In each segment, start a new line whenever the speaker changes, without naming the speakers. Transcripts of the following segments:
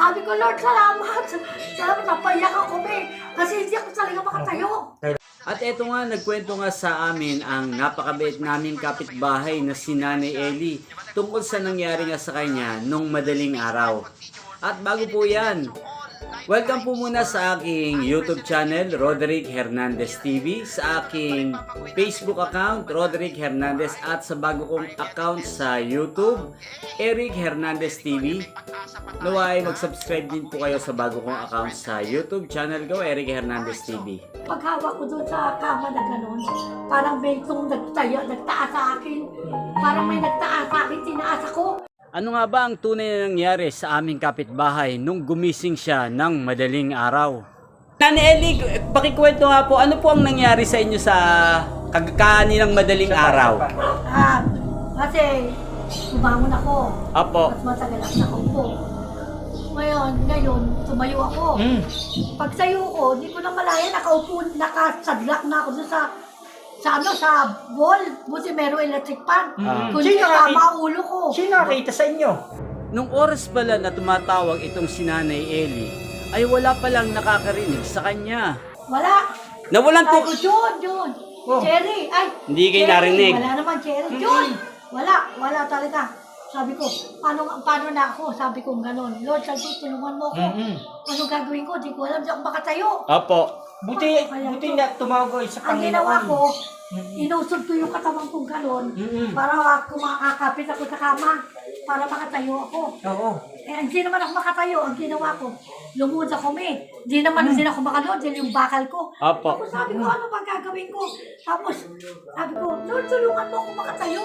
Sabi ko, Lord, salamat. Salamat, napayak ako, kasi hindi ako talaga makatayo.
At eto nga, nagkwento nga sa amin ang napakabait naming kapitbahay na si Nanay Eli tungkol sa nangyari nga sa kanya nung madaling araw. At bago po yan, welcome po muna sa aking YouTube channel, Roderick Hernandez TV, sa aking Facebook account, Roderick Hernandez, at sa bago kong account sa YouTube, Eric Hernandez TV. Naway, mag-subscribe din po kayo sa bago kong account sa YouTube channel ko, Eric Hernandez TV.
Paghawak ko doon sa kama na gano'n, parang may itong nagtaas sa akin. Parang may nagtaas sa akin, tinaas ako.
Ano nga ba ang tunay na nangyari sa aming kapitbahay nung gumising siya ng madaling araw? Nanay Eli, pakikwento nga po, ano po ang nangyari sa inyo sa kakaninang madaling araw?
Kasi bumangon ako.
Apo.
Mas matagal ako nakaupo. Ngayon, tumayo ako. Pagsayo ko, di ko na malaya, nakaupo, nakasadlak na ako doon sa wall. Buti meron electric fan. Kung di tama ang ulo ko.
Sino nakita sa inyo?
Nung oras pala na tumatawag itong si Nanay Eli, ay wala palang nakakarinig sa kanya.
Wala.
Nawalan
Sabi
po.
ko, John.
Oh.
Cherry. Ay,
Hindi kayo
Cherry.
narinig.
Wala naman, Cherry. John. Wala talaga. Sabi ko, paano na ako? Sabi ko, gano'n. Lord, sabi ko, tulungan mo ako. Ano gagawin ko? Di ko alam, di ako makatayo.
Apo.
Buti na tumawag ko sa
Ang ginawa
Panginoon.
ko, inusog ko yung katawan kong gano'n para kumakakapit ako sa kama para makatayo ako.
Oo.
Hindi naman ako makatayo. Ang ginawa ko, lumuhod ako Hindi naman din ako makalood. Dahil yung bakal ko.
Apo.
Tapos sabi ko, ano ba gagawin ko? Tapos sabi ko, Lord, tulungan mo ako makatayo.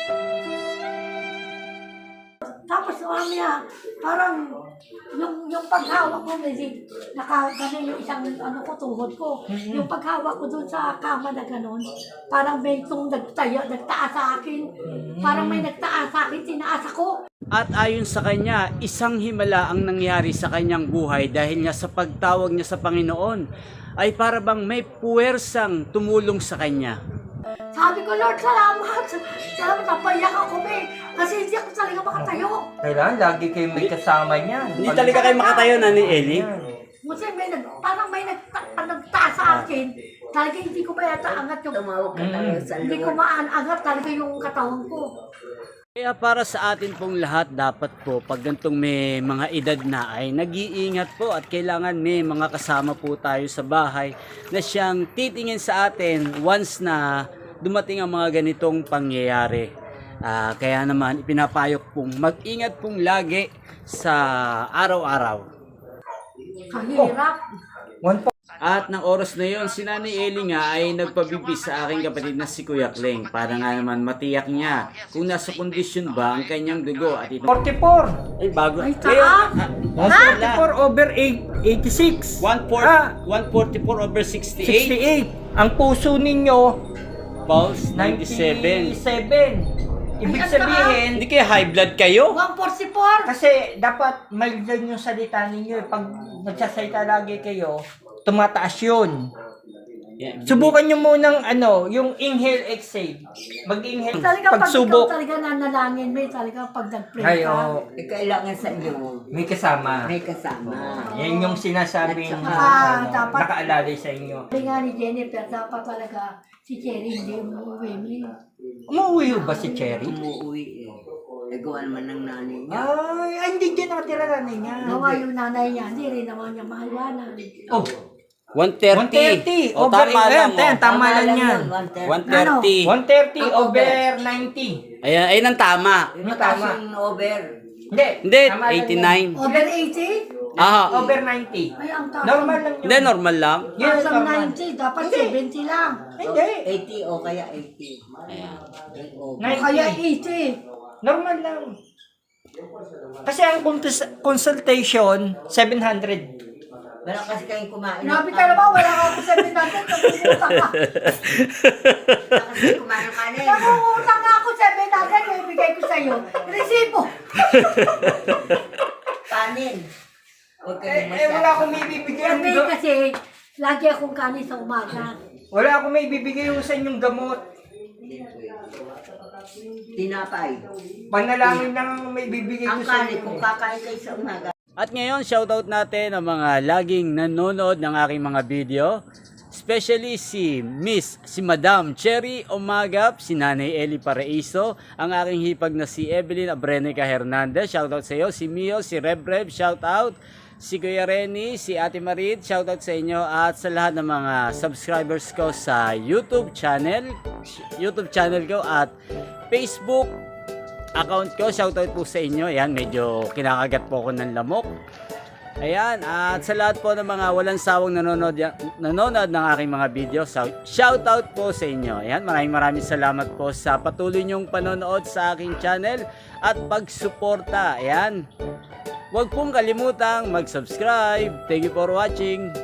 Tapos mamaya, parang yung paghawak ko, medyo nakagano yung isang tuhod ko. Yung paghawak ko doon sa kama na gano'n, parang may itong nagtaas sa akin. Parang may nagtaas sa akin, tinaas ako.
At ayon sa kanya, isang himala ang nangyari sa kanyang buhay dahil nga sa pagtawag niya sa Panginoon ay para bang may puwersang tumulong sa kanya.
Sabi ko, Lord, salamat. Salamat, napayak ako kasi hindi ako talaga makatayo.
Kailangan lagi kayo may kasama niya.
Hindi talaga kayo makatayo, Nanay Eli?
Kasi parang may nagtaas sa akin. Talaga hindi ko ba yata angat yung...
Tumawag ka talaga sa
Hindi ko maangat talaga yung katawan ko.
Kaya para sa atin pong lahat, dapat po pag gantong may mga edad na ay nag-iingat po at kailangan may mga kasama po tayo sa bahay na siyang titingin sa atin once na dumating ang mga ganitong pangyayari. Kaya naman ipinapayok pong mag-ingat pong lagi sa araw-araw.
Kahirap.
At ng oras na yon, si Nanay Eli nga ay nagpabibis sa aking kapatid na si Kuya Kleng para nga naman matiyak niya kung nasa kondisyon ba ang kanyang dugo. At ito
44.
ay bago.
Ay, taas!
44 over 86.
144 over 68.
68. Ang puso ninyo,
Pulse 97.
97. Ibig
Ay, ang
sabihin,
Hindi kaya high blood kayo?
144!
kasi dapat maligan yung salita ninyo. Pag nagsasalita lagi kayo, tumataas yun. Subukan nyo munang yung inhale, exhale. Mag-inhale,
Talaga pag ikaw
pagsubok.
talaga nanalangin, talaga pag nag-pray
Ay,
ka.
oo.
Kailangan sa inyo,
May kasama.
may kasama.
Yan yung sinasabing
Dapat-
nakaalalay sa inyo.
Sabi nga ni Jennifer, dapat talaga si Cherry hindi umuwi.
Umuwi ba si Cherry?
Umuwi eh. Nagawa naman ng nanay niya.
Ay, hindi dyan nakatira nanay niya.
Gawa yung nanay niya, hindi rin naman niya mahalwanan.
Oh,
130.
130.
O tama lang.
Tama lang yan.
130.
130 over 90.
Ayan, ayun ang tama.
Tama.
Tama. Yung over.
Hindi.
Hindi,
tama lang
89.
Over 80?
yan.
Aha.
Over 90.
Ay, ang taas.
Normal lang yun.
Hindi, normal lang.
Yes,
Ang
normal.
90, dapat
Hindi.
70 lang.
Hindi.
80 o kaya 80.
Ayan.
Yung over.
O kaya
90.
80.
Normal lang. Kasi ang consultation, 700.
Wala kasi kayong kumain.
Grabe ka naman, wala ka ako 700, nangungutang ka.
Wala kasi kumain ng kanin.
Nangungutang nga ako 700, yung ibigay ko sa'yo. Resibo.
Kanin. Huwag kayong
Wala akong may bibigay.
Yan kasi, lagi akong kanin sa umaga.
Wala akong may bibigay sa inyong gamot.
Tinapay.
Panalangin lang ang may bibigay
Ang
ko sa
kanin,
inyo.
kung kakain kayo sa umaga,
At ngayon, shoutout natin ang mga laging nanonood ng aking mga video. Especially si Madam Cherry Omagap, si Nanay Eli Paraiso, ang aking hipag na si Evelyn Abrenica Hernandez, shoutout sa iyo, si Mio, si Rev, shoutout, si Kuya Renny, si Ate Marit, shoutout sa inyo, at sa lahat ng mga subscribers ko sa YouTube channel ko at Facebook account ko, shoutout po sa inyo. Ayan, medyo kinakagat po ako ng lamok. Ayan, at sa lahat po ng mga walang sawang nanonood ng aking mga video, shoutout po sa inyo. Ayan, maraming salamat po sa patuloy niyong panonood sa aking channel at pagsuporta. Ayan, huwag pong kalimutang mag-subscribe. Thank you for watching.